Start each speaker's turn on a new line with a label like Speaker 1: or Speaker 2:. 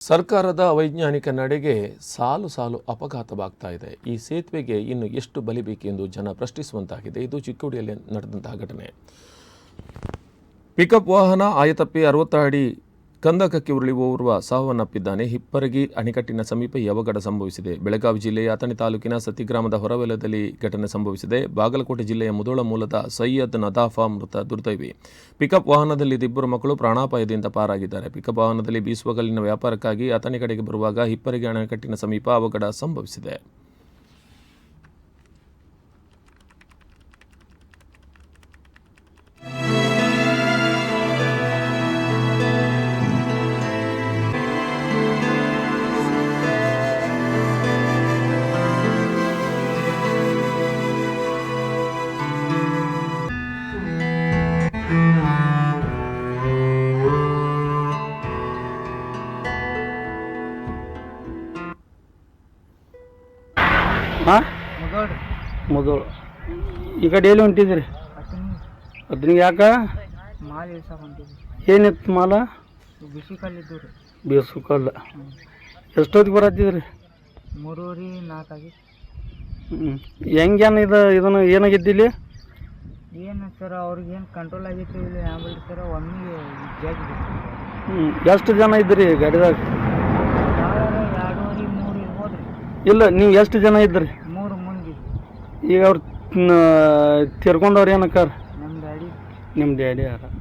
Speaker 1: ಸರ್ಕಾರದ ಅವೈಜ್ಞಾನಿಕ ನಡೆಗೆ ಸಾಲು ಸಾಲು ಅಪಘಾತವಾಗ್ತಾ ಇದೆ. ಈ ಸೇತುವೆಗೆ ಇನ್ನು ಎಷ್ಟು ಬಲಿ ಬೇಕೆಂದು ಜನ ಪ್ರಶ್ನಿಸುವಂತಾಗಿದೆ. ಇದು ಚಿಕ್ಕೋಡಿಯಲ್ಲಿ ನಡೆದಂತಹ ಘಟನೆ. ಪಿಕಪ್ ವಾಹನ ಆಯತಪ್ಪಿ 60 ಅಡಿ ಕಂದಕಕ್ಕೆ ಉರುಳಿ ಓರ್ವ ಸಾವನ್ನಪ್ಪಿದ್ದಾನೆ. ಹಿಪ್ಪರಗಿ ಅಣೆಕಟ್ಟಿನ ಸಮೀಪ ಈ ಅವಘಡ ಸಂಭವಿಸಿದೆ. ಬೆಳಗಾವಿ ಜಿಲ್ಲೆಯ ಅಥಣಿ ತಾಲೂಕಿನ ಸತಿ ಗ್ರಾಮದ ಹೊರವಲಯದಲ್ಲಿ ಘಟನೆ ಸಂಭವಿಸಿದೆ. ಬಾಗಲಕೋಟೆ ಜಿಲ್ಲೆಯ ಮುಧೋಳ ಮೂಲದ ಸೈಯದ್ ನದಾಫಾ ಮೃತ ದುರ್ದೈವಿ. ಪಿಕಪ್ ವಾಹನದಲ್ಲಿದ್ದ ಇಬ್ಬರು ಮಕ್ಕಳು ಪ್ರಾಣಾಪಾಯದಿಂದ ಪಾರಾಗಿದ್ದಾರೆ. ಪಿಕಪ್ ವಾಹನದಲ್ಲಿ ಬೀಸುವಗಲಿನ ವ್ಯಾಪಾರಕ್ಕಾಗಿ ಅಥಣಿ ಕಡೆಗೆ ಬರುವಾಗ ಹಿಪ್ಪರಗಿ ಅಣೆಕಟ್ಟಿನ ಸಮೀಪ ಅವಘಡ ಸಂಭವಿಸಿದೆ.
Speaker 2: ಮುದೋಳು ಈಗ ಡೈಲಿ ಹೊಂಟಿದ್ರಿ ಅದನ್ನ ಯಾಕೆ
Speaker 3: ಮಾಲ್ ಇಳ್ಸಕ್ಕೆ ಹೊಂಟಿದ್ವಿ.
Speaker 2: ಏನಿತ್ತು ಮಾಲ?
Speaker 3: ಬಿಸಿ ಕಲ್ಲಿದ್ದು ರೀ.
Speaker 2: ಬೇಸು ಕಲ್ಲ. ಎಷ್ಟೊತ್ತಿಗೆ ಬರತ್ತಿದ್ರಿ?
Speaker 3: 3:04 ಆಗಿ.
Speaker 2: ಹೆಂಗೇನು ಇದನ್ನು ಏನಾಗಿದ್ದಿಲ್ಲಿ?
Speaker 3: ಏನು ಸರ್ ಅವ್ರಿಗೇನು ಕಂಟ್ರೋಲ್ ಆಗಿತ್ತು ಇಲ್ಲ ಹ್ಯಾಂಬಲ್ ಸರ್ ಒಮ್ಮೆ ಜಾಗಿ.
Speaker 2: ಎಷ್ಟು ಜನ ಇದ್ರಿ ಗಾಡಿದಾಗ?
Speaker 3: 2-3 ಇರ್ಬೋದು ರೀ.
Speaker 2: ಇಲ್ಲ, ನೀವು ಎಷ್ಟು ಜನ ಇದ್ರಿ?
Speaker 3: 3 ಮಂದಿ.
Speaker 2: ಈಗ ಅವ್ರು ತಿರ್ಕೊಂಡವ್ರು ಏನಕ್ಕಾರ?
Speaker 3: ನಮ್ಮ ಡ್ಯಾಡಿ.
Speaker 2: ನಿಮ್ಮ ಡ್ಯಾಡಿ ಯಾರ?